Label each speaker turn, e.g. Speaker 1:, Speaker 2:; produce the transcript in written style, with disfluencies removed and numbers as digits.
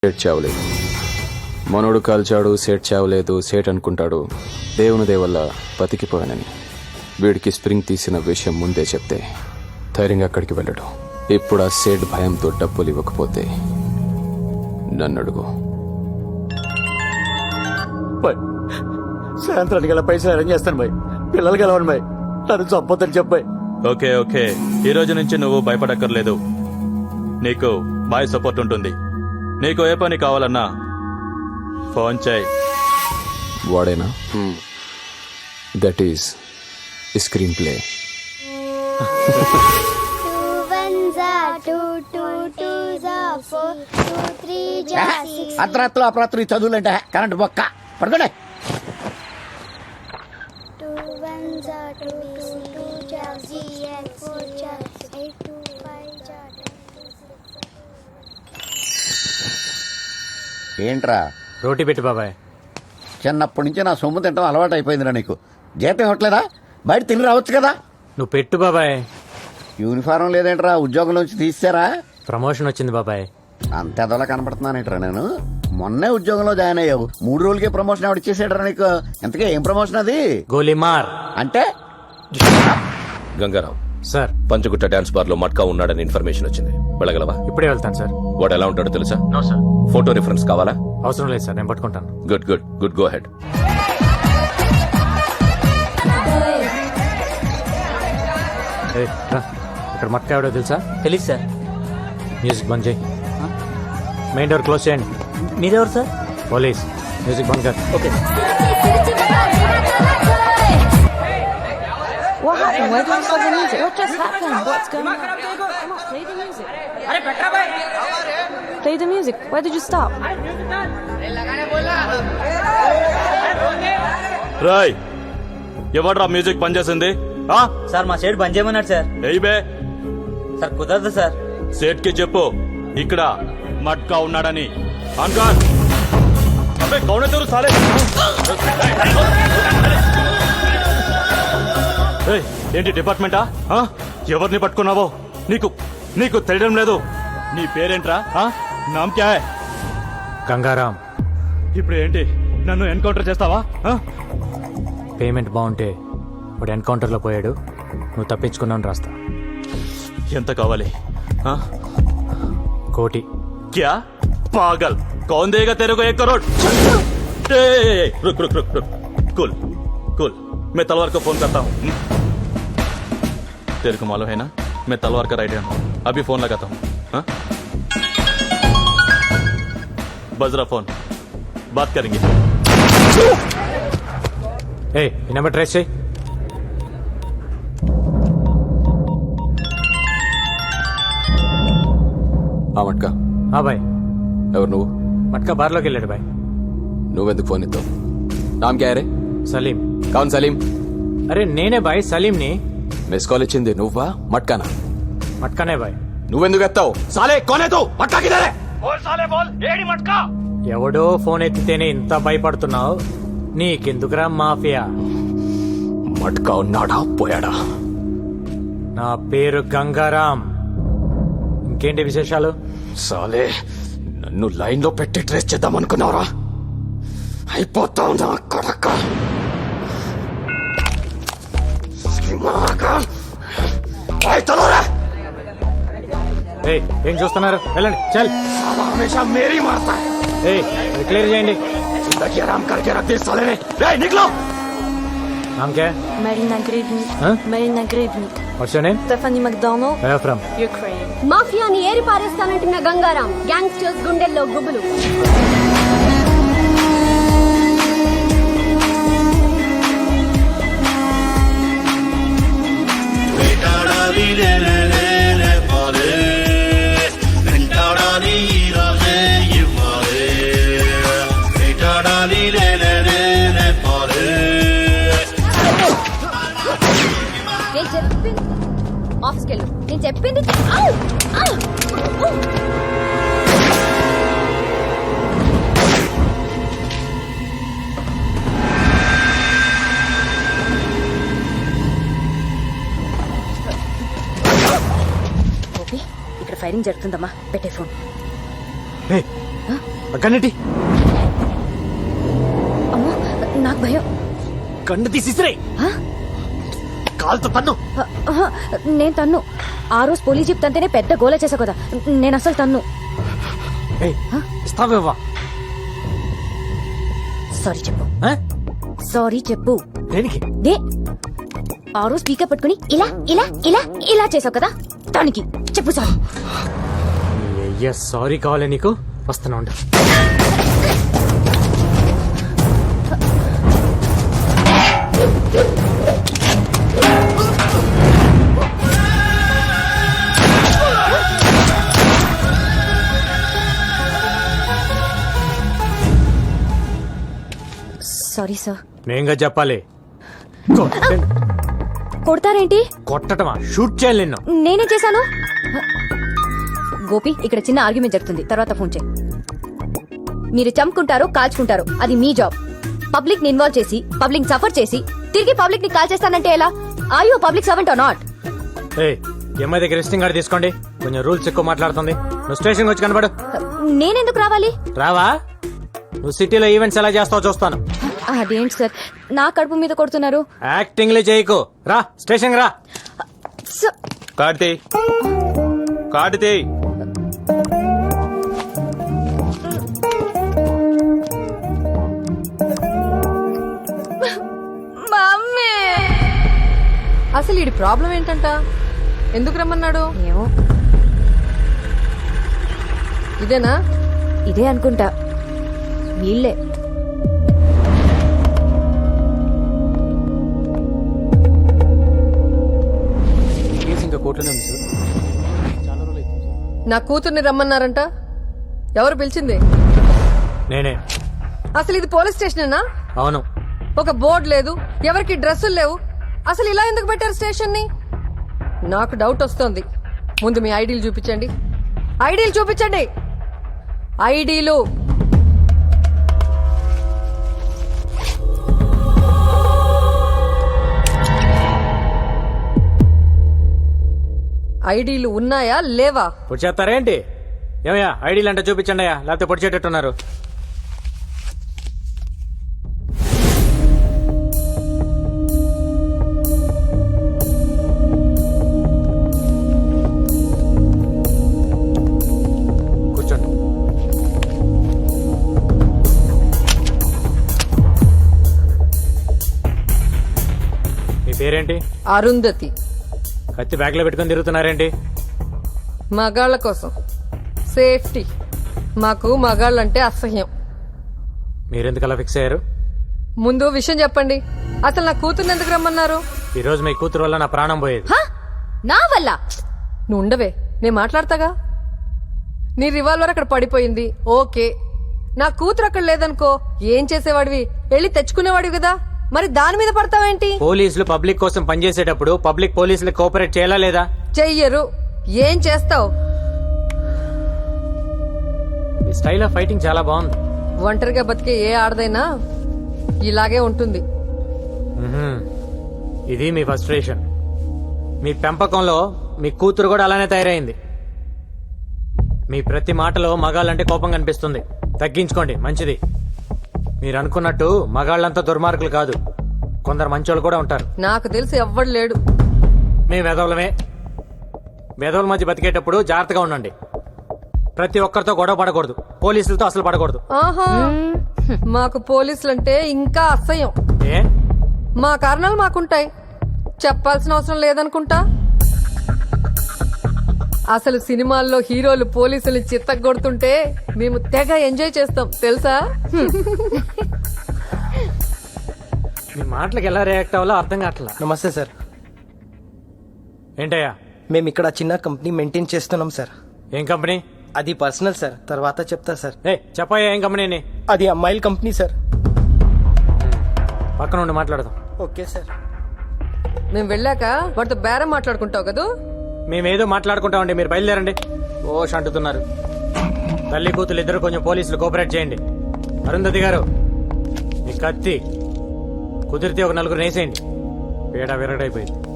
Speaker 1: సేట్ చావలేదు. మనోడు కాల్చాడు, సేట్ చావలేదు. సేట్ అనుకుంటాడు దేవుని దేవల్ల బతికిపోయానని. వీడికి స్ప్రింగ్ తీసిన విషయం ముందే చెప్తే ధైర్యంగా అక్కడికి వెళ్ళడు. ఇప్పుడు ఆ సేట్ భయంతో డబ్బులు ఇవ్వకపోతే నన్ను అడుగు.
Speaker 2: సాయంత్రానికి గల పైసలు అరేంజ్ చేస్తాను బాయ్. పిల్లలు కలవండి బాయ్. నన్ను చంపొద్దని చెప్పాయి.
Speaker 3: ఓకే ఓకే, ఈ రోజు నుంచి నువ్వు భయపడక్కర్లేదు. నీకు బాయ్ సపోర్ట్ ఉంటుంది. నీకు ఏ పని కావాలన్నా ఫోన్ చేయి.
Speaker 1: వాడేనా? That is screenplay.
Speaker 2: అర్ధరాత్రులు అపరాత్రులు చదువులంటే కరెంట్ బొక్క పడుకోండి. ఏంట్రా
Speaker 4: రోటీ పెట్టి బాబాయ్.
Speaker 2: చిన్నప్పటి నుంచి నా సొమ్ము తింటాం అలవాటు అయిపోయిందిరా నీకు. జీతం ఇవ్వట్లేదా? బయట తిని రావచ్చు కదా.
Speaker 4: నువ్వు పెట్టు బాబాయ్.
Speaker 2: యూనిఫారం లేదేంట్రా? ఉద్యోగం నుంచి తీసారా?
Speaker 4: ప్రమోషన్ వచ్చింది బాబాయ్.
Speaker 2: అంత ఎదలా కనపడుతున్నానేట్రా నేను? మొన్నే ఉద్యోగంలో జాయిన్ అయ్యావు, 3 రోజులకే ప్రమోషన్ ఎవడు ఇచ్చేసాడరా నీకు? ఎంతకే ఏం ప్రమోషన్ అది?
Speaker 4: గోలీమార్
Speaker 2: అంటే
Speaker 5: Gangaram
Speaker 4: sir.
Speaker 5: Panjagutta dance bar లో మట్కా ఉన్నాడని ఇన్ఫర్మేషన్ వచ్చింది. వెళ్ళగలవా?
Speaker 4: ఇప్పుడే వెళ్తాను సార్.
Speaker 5: వాడు ఎలా ఉంటాడో తెలుసా?
Speaker 4: No sir.
Speaker 5: ఫోటో రిఫరెన్స్ కావాలా?
Speaker 4: అవసరం లేదు సార్, నేను పట్టుకుంటాను.
Speaker 5: Good good good, go ahead.
Speaker 4: ఏయ్, రా. ఇక్కడ మట్కా ఎవడో తెలుసా?
Speaker 6: తెలీదు సార్.
Speaker 4: మ్యూజిక్ బంద్ చేయి. మెయిన్ డోర్ క్లోజ్ చేయండి.
Speaker 6: మీరెవరు సార్?
Speaker 4: పోలీస్. మ్యూజిక్ బంద్ కర్.
Speaker 6: Okay.
Speaker 7: What happened? Where did you stop the music? What just happened? What's going on? Come on, play the music. Play the music. Where did you stop?
Speaker 3: రాయ్, ఎవడ్రా music బంద్ చేసింది?
Speaker 6: Sir మా shade బంద్ చేయమన్నాడు sir.
Speaker 3: ఏయ్ బే,
Speaker 6: sir కుదరదు sir.
Speaker 3: సేట్ కి చెప్పు ఇక్కడ మట్కా ఉన్నాడని. అంకాన్ అబ్బే కౌన తెరు సాలే. ఏయ్, ఏంటి డిపార్ట్మెంటా? ఎవరిని పట్టుకున్నావో నీకు నీకు తెలియడం లేదు. నీ పేరేంట్రా? నామ్ క్యా హై?
Speaker 4: గంగారాం.
Speaker 3: ఇప్పుడు ఏంటి, నన్ను ఎన్కౌంటర్ చేస్తావా?
Speaker 4: పేమెంట్ బాగుంటే వాడు ఎన్కౌంటర్లో పోయాడు, నువ్వు తప్పించుకున్నావు రాస్తా.
Speaker 3: ఎంత కావాలి?
Speaker 4: కోటి.
Speaker 3: क्या पागल, कौन देगा तेरे को 1 करोड़? रुक रुक रुक रुक, कूल कूल, मैं तलवार को फोन करता हूँ. तेरे को मालूम है ना, मैं तलवार का राइट हैंड हूँ. अभी फोन लगाता हूँ. बज रहा फोन, बात करेंगे.
Speaker 4: ఏ ఈ నెంబర్ ట్రేస్ చేయి.
Speaker 1: ఆ మట్కా
Speaker 4: బాయ్.
Speaker 1: ఎవరు నువ్వు?
Speaker 4: మట్కా బార్లోకి వెళ్ళాడు బాయ్.
Speaker 1: నువ్వెందుకు ఫోన్ ఇస్తావు? నామ్ క్యా హై రే?
Speaker 4: సలీం.
Speaker 1: కౌన్ సలీం?
Speaker 4: అరే నేనే బాయ్, సలీంని.
Speaker 1: మిస్ కాల్ ఇచ్చింది నువ్వా మట్కానా?
Speaker 4: మట్కానే బాయ్.
Speaker 1: నువ్వెందుకు ఎత్తావు? సాలే కోనే తూ మట్కా కిధర్ హై?
Speaker 4: ఎవడో ఫోన్ ఎత్తితేనే ఇంత భయపడుతున్నావు, నీకెందుకురా మాఫియా?
Speaker 1: మట్కా ఉన్నాడా పోయాడా?
Speaker 4: నా పేరు గంగారాం. ఇంకేంటి విశేషాలు?
Speaker 1: సాలే నన్ను లైన్ లో పెట్టి ట్రేస్ చేద్దాం అనుకున్నావురా? అయిపోతావు నా కొడక.
Speaker 4: ఏయ్, ఏం చూస్తున్నారు? వెళ్ళండి చల్.
Speaker 1: హమేషా మేరీ మారతా హై.
Speaker 4: ఏయ్, అది క్లియర్ చేయండి.
Speaker 1: जिंदगी आराम करके रख दी साले ने. निकलो.
Speaker 4: నామ్ క్యా?
Speaker 7: Marina Gribnik.
Speaker 4: Huh?
Speaker 7: Marina Gribnik.
Speaker 4: What's your name?
Speaker 7: Stephanie McDonald.
Speaker 4: Where from?
Speaker 7: Ukraine.
Speaker 8: మాఫియాని ఏరి పారేస్తానంటున్న గంగారాం గ్యాంగ్స్టర్స్ గుండెల్లో గుబులు. నేను చెప్పింది ఆఫీస్కి వెళ్ళు. నేను చెప్పింది
Speaker 7: ఇక్కడ ఫైరింగ్ జరుగుతుందమ్మా, పెట్టే ఫోన్.
Speaker 4: ఏయ్, కన్నటి
Speaker 9: అమ్మో నాకు భయం.
Speaker 4: కన్ను తీసిరే కాలుతో తన్ను.
Speaker 9: నేను తన్ను. ఆ రోజు పోలీస్ జీప్ తంతేనే పెద్ద గోల చేసా కదా, నేను అసలు తన్ను.
Speaker 4: ఇస్తావేవా?
Speaker 9: సారీ చెప్పు. సారీ చెప్పు.
Speaker 4: దేనికి?
Speaker 9: దే ఆ రోజు స్పీకర్ పట్టుకుని ఇలా ఇలా ఇలా ఇలా చేసావు కదా, దానికి చెప్పు సారీ.
Speaker 4: అయ్యా సారీ కావాలి నీకు, వస్తున్నా ఉండు.
Speaker 9: Sorry sir.
Speaker 4: నేనుగా చెప్పాలి.
Speaker 9: కొడతారేంటి?
Speaker 4: కొట్టటమా? షూట్ చేయాలి నిన్ను.
Speaker 9: నేనే చేశాను. గోపి, ఇక్కడ చిన్న ఆర్గ్యుమెంట్ జరుగుతుంది, తర్వాత ఫోన్ చేయి. మీరు చంపుకుంటారు, కాల్చుకుంటారు, అది మీ జాబ్. పబ్లిక్ ని ఇన్వాల్వ్ చేసి పబ్లిక్ సఫర్ చేసి తిరిగి పబ్లిక్ ని కాల్ చేస్తానంటే ఎలా? Are you public servant or not?
Speaker 4: MI దగ్గర రిజిస్టింగ్ కార్డు తీసుకోండి. కొంచెం రూల్స్ ఎక్కువ మాట్లాడుతుంది. నువ్వు స్టేషన్ వచ్చి కనబడు.
Speaker 9: నేనెందుకు రావాలి?
Speaker 4: రావా? నువ్వు సిటీలో ఈవెంట్స్ ఎలా చేస్తావో చూస్తాను.
Speaker 9: అదేంటి సార్, నా కడుపు మీద కొడుతున్నారు?
Speaker 4: యాక్టింగ్ లే చేయకు. రా స్టేషన్ రా.
Speaker 3: కార్తీ కార్తీ
Speaker 7: మమ్మీ, అసలు ఈ ప్రాబ్లం ఏంటంట? ఎందుకు రమ్మన్నాడు?
Speaker 9: ఏమో,
Speaker 7: ఇదేనా?
Speaker 9: ఇదే అనుకుంటా. వీళ్ళే.
Speaker 4: ఇంకా కోర్టులో ఉంది సార్. చాలా రోజులు అవుతుంది సార్.
Speaker 7: నా కూతుర్ని రమ్మన్నారంట. ఎవరు పిలిచింది?
Speaker 4: నేనే.
Speaker 7: అసలు ఇది పోలీస్ స్టేషనేనా?
Speaker 4: అవును.
Speaker 7: ఒక బోర్డు లేదు, ఎవరికి డ్రెస్సులు లేవు. అసలు ఇలా ఎందుకు పెట్టారు స్టేషన్ ని? నాకు డౌట్ వస్తోంది. ముందు మీ ఐడీలు చూపించండి. ఐడీలు చూపించండి. ఐడీలు. ఐడీలు ఉన్నాయా లేవా?
Speaker 4: పొడి చేస్తారేంటి? ఏమయ్యా ఐడీలు అంటే చూపించండి అయ్యా, లేకపోతే పొడి చేటట్టున్నారు. కూర్చోండి. మీ పేరేంటి?
Speaker 7: అరుంధతి.
Speaker 4: కత్తి బ్యాగ్ లో పెట్టుకుని తిరుగుతున్నారేంటి?
Speaker 7: మగాళ్ళ కోసం సేఫ్టీ. మాకు మగాళ్ళంటే అసహ్యం.
Speaker 4: మీరెందుకు అలా ఫిక్స్ అయ్యారు?
Speaker 7: ముందు విషయం చెప్పండి. అసలు నా కూతుర్ని ఎందుకు రమ్మన్నారు?
Speaker 4: ఈ రోజు మీ కూతురు వల్ల నా ప్రాణం పోయేది.
Speaker 9: నా వల్ల?
Speaker 7: నువ్వు ఉండవే, నేను మాట్లాడతాగా. నీ రివాల్వర్ అక్కడ పడిపోయింది, ఓకే. నా కూతురు అక్కడ లేదనుకో, ఏం చేసేవాడివి? వెళ్ళి తెచ్చుకునేవాడివి కదా, మరి దాని మీద పడతావేంటి?
Speaker 4: పోలీసులు పబ్లిక్ కోసం పనిచేసేటప్పుడు పబ్లిక్ పోలీసులకు కోఆపరేట్ చేయాలా లేదా?
Speaker 7: చెయ్యరు. ఏం చేస్తావు?
Speaker 4: మీ స్టైల్ ఆఫ్ ఫైటింగ్ చాలా బాగుంది.
Speaker 7: ఒంటరిగా బతికే ఏ ఆడదైనా ఇలాగే ఉంటుంది.
Speaker 4: ఇది మీ ఫ్రస్ట్రేషన్. మీ పెంపకంలో మీ కూతురు కూడా అలానే తయారైంది. మీ ప్రతి మాటలో మగాళ్ళంటే కోపం కనిపిస్తుంది. తగ్గించుకోండి, మంచిది. మీరు అనుకున్నట్టు మగాళ్ళంతా దుర్మార్గులు కాదు, కొందరు మంచోళ్ళు కూడా ఉంటారు.
Speaker 7: నాకు తెలిసి ఎవ్వడు లేడు.
Speaker 4: మేము వెధవులమే. వెధవుల మధ్య బతికేటప్పుడు జాగ్రత్తగా ఉండండి. ప్రతి ఒక్కరితో గొడవ పడకూడదు, పోలీసులతో అసలు పడకూడదు.
Speaker 7: ఆహా, మాకు పోలీసులంటే ఇంకా అసహ్యం.
Speaker 4: ఏ?
Speaker 7: మా కారణాలు మాకుంటాయి, చెప్పాల్సిన అవసరం లేదనుకుంటా. అసలు సినిమాల్లో హీరోలు పోలీసుల్ని చిత్తగొడుతుంటే మేము తెగ ఎంజాయ్ చేస్తాం తెలుసా.
Speaker 4: మీ మాటలకు ఎలా రియాక్ట్ అవ్వాలో అర్థం కావట్లా.
Speaker 10: నమస్తే సార్.
Speaker 4: ఏంటయ్యా?
Speaker 10: మేము ఇక్కడ చిన్న కంపెనీ మెయింటైన్ చేస్తున్నాం సార్.
Speaker 4: ఏం కంపెనీ?
Speaker 10: అది పర్సనల్ సార్, తర్వాత చెప్తా సార్.
Speaker 4: చెప్పయ్యా, ఏం కంపెనీ?
Speaker 10: అది అమ్మాయిల కంపెనీ సార్.
Speaker 4: పక్కన ఉండి మాట్లాడదాం.
Speaker 10: Okay sir.
Speaker 7: మేము వెళ్ళాక వాటితో బేరం మాట్లాడుకుంటావు కదా.
Speaker 4: మేమేదో మాట్లాడుకుంటామండి, మీరు బయలుదేరండి. ఓష్ అంటున్నారు. తల్లి కూతురు ఇద్దరు కొంచెం పోలీసులు కోఆపరేట్ చేయండి. అరుంధతి గారు, మీ కత్తి కుదిరితే ఒక నలుగురు వేసేయండి. పేడ విరగడైపోయింది.